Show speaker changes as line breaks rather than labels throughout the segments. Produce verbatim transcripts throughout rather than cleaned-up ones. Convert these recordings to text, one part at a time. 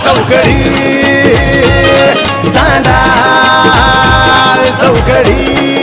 चौकडी चांदा चौकडी.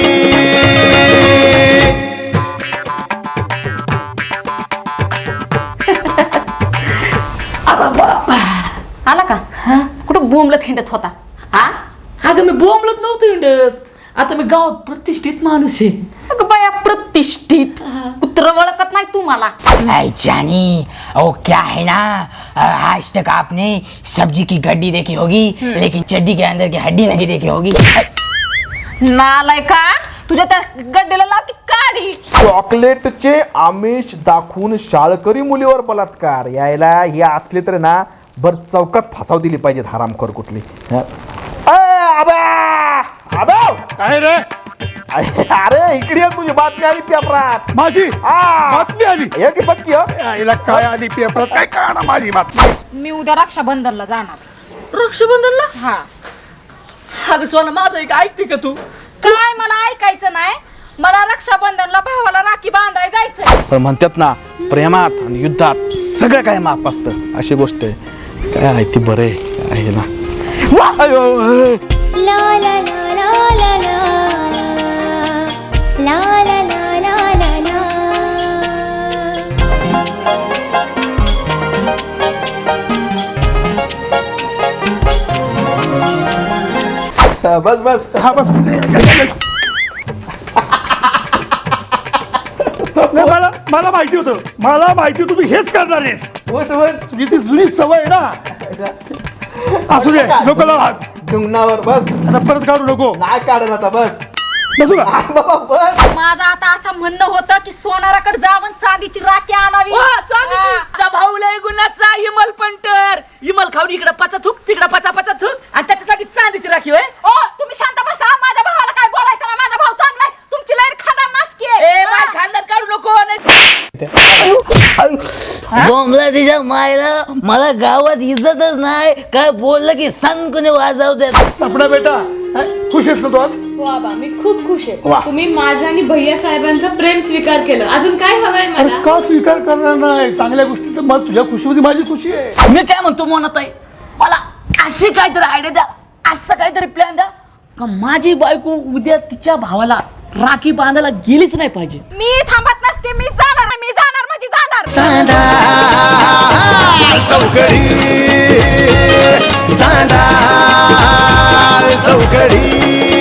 आला का कुठं बोंबलत हिंडत होता?
हा अगं मी बोंबलत नव्हतो हिंडत. आता मी गावात प्रतिष्ठित माणूस आहे.
अगं बाया प्रतिष्ठित कुत्र ओळखत नाही तू मला.
ऐ जानी ओ क्या है ना, आज तक आपने सब्जी की गड्डी देखी होगी लेकिन चड्डी के अंदर की हड्डी नहीं देखी होगी.
नालाय का तुझ्या त्या गड्डेला लाव की काढी.
चॉकलेटचे आमिष दाखवून शाळकरी मुलीवर बलात्कार यायला हे असले तर ना बर चौकात फसाव दिली पाहिजेत हरामखोर कुठली.
काय रे?
अरे इकडे ये, तुझी बातमी आली पेपरात.
माझी बातमी आली.
ये की बघ की हो.
यायला काय आली पेपरात? काय कळणार माझी बातमी?
मी उद्या रक्षाबंधनला जाणार.
रक्षाबंधनला
हा
अगं सोना माझं एक ऐकते का तू?
काय मला ऐकायचं नाही. मला रक्षाबंधनला भावाला राखी बांधाय जायचं.
पण म्हणतात ना प्रेमात आणि युद्धात सगळं काय माप असतं अशी गोष्ट आहे. काय आहे ती बरं आहे ना. अयो,
La la la la la la La la la la la la
बस बस
हा बस. नाही, मला मला माहिती होतं मला माहिती होतं तू हेच करणार आहेस.
उठ उठ
तुझी ती जुनी सवय आहे ना. असू दे नको लाव हात.
डुंगणावर बस.
आता परत काढू नको.
नाही काढत आता बस.
बसू का?
बाबा बस.
माझं आता असं म्हणणं होतं की सोनाराकडे जाऊन चांदीची राखी आणावी.
वा, चांदीची.
हा.
तुझा भाऊ लय गुणाचा इमल पंटर. इमल खाऊन इकडे पचा थुक तिकडे पचा पचा थुक आणि त्याच्यासाठी चांदीची राखी होय.
ओ तुम्ही शांत बसा. माझ्या भावाला काय बोलायचं ना. माझा भाऊ चांगलाय. तुमची लय खादा नासकी आहे.
ए बाय खानदार काढू नको.
बोंबला तिच्या मायला मला गावात इज्जतच नाही. काय बोललं की संकुने वाजवतात.
आपला बेटा खुश आहेस ना तू आज?
हो आबा मी खूप खुश आहे. तुम्ही माझा आणि भैया साहेबांचा प्रेम स्वीकार केलं. अजून काय हवंय
अरे
मला?
का स्वीकार करणार नाही? चांगल्या गोष्टीचं मत तुझ्या खुशीमध्ये माझी खुशी आहे.
मी काय म्हणतो मोनात आहे मला अशी काहीतरी आयडिया द्या. असं काहीतरी प्लॅन द्या का माझी बायको उद्या तिच्या भावाला राखी बांधायला गेलीच नाही पाहिजे.
मी थांबत नसते. मी जाणार. मी जाणार म्हणजे जाणार.
चांदा चौकडी चांदा चौकडी.